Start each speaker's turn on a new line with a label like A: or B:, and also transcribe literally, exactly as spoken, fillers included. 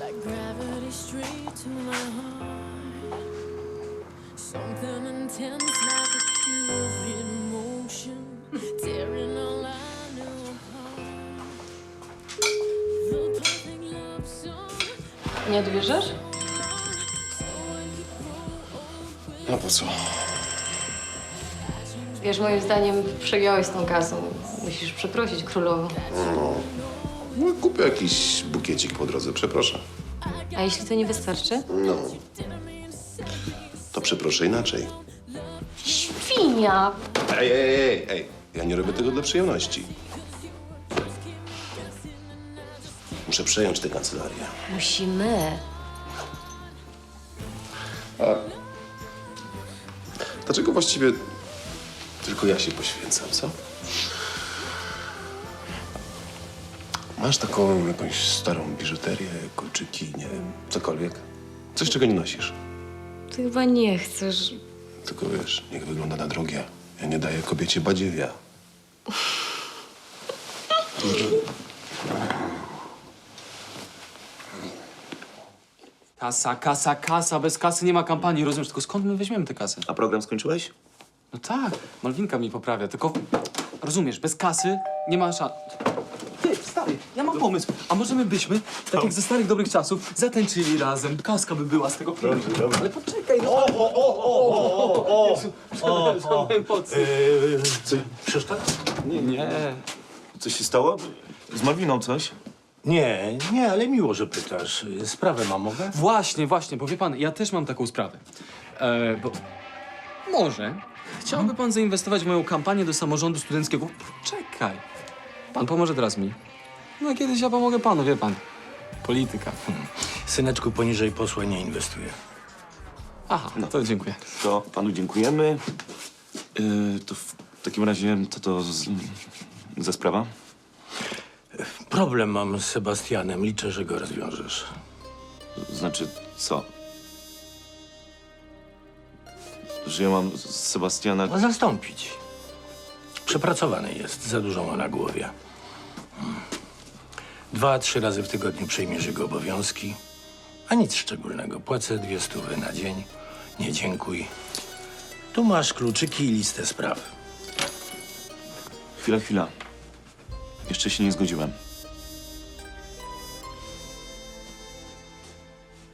A: like gravity straight to my heart. Something intense like a curious emotion, tearing all I knew apart. The perfect love song.
B: Nie odbierzesz?
C: No po co?
B: Wiesz, moim zdaniem przegiąłeś z tą kasą. Musisz przeprosić królową.
C: No, kupię jakiś bukiecik po drodze, przepraszam.
B: A jeśli to nie wystarczy?
C: No. To przeproszę inaczej.
B: Świnia!
C: Ej, ej, ej, ej. Ja nie robię tego dla przyjemności. Muszę przejąć tę kancelarię.
B: Musimy.
C: Dlaczego właściwie tylko ja się poświęcam, co? Masz taką jakąś starą biżuterię, kolczyki, nie wiem, cokolwiek? Coś, czego nie nosisz.
B: Ty chyba nie chcesz.
C: Tylko wiesz, niech wygląda na drogie. Ja nie daję kobiecie badziewia.
D: Kasa, kasa, kasa. Bez kasy nie ma kampanii, rozumiesz? Tylko skąd my weźmiemy tę kasę?
E: A program skończyłeś?
D: No tak, Malwinka mi poprawia, tylko rozumiesz, bez kasy nie ma szans. Ty, stary, ja mam pomysł. A może my byśmy, tak jak ze starych dobrych czasów, zatańczyli razem. Kaska by była z tego filmu. Ale poczekaj, no. O, o, o, o, o, o, Jezu, przepraszam, emocje.
E: Co, przeszkadza?
D: Nie, nie.
E: Coś się stało? Z Malwiną coś?
F: Nie, nie, ale miło, że pytasz. Sprawę mam, mogę?
D: Właśnie, właśnie, bo wie pan, ja też mam taką sprawę. E, bo może chciałby pan zainwestować w moją kampanię do samorządu studenckiego? Czekaj. Pan pomoże teraz mi. No kiedyś ja pomogę panu, wie pan. Polityka.
F: Syneczku, poniżej posła nie inwestuję.
D: Aha, no to dziękuję.
E: To panu dziękujemy. Yy, to w takim razie, co to z, za sprawa?
F: Problem mam z Sebastianem. Liczę, że go rozwiążesz.
E: Znaczy, co? Że ja mam Sebastiana...
F: No, zastąpić. Przepracowany jest. Za dużo ma na głowie. Hmm. Dwa, trzy razy w tygodniu przejmiesz jego obowiązki. A nic szczególnego. Płacę dwie stówy na dzień. Nie dziękuj. Tu masz kluczyki i listę spraw.
E: Chwila, chwila. Jeszcze się nie zgodziłem.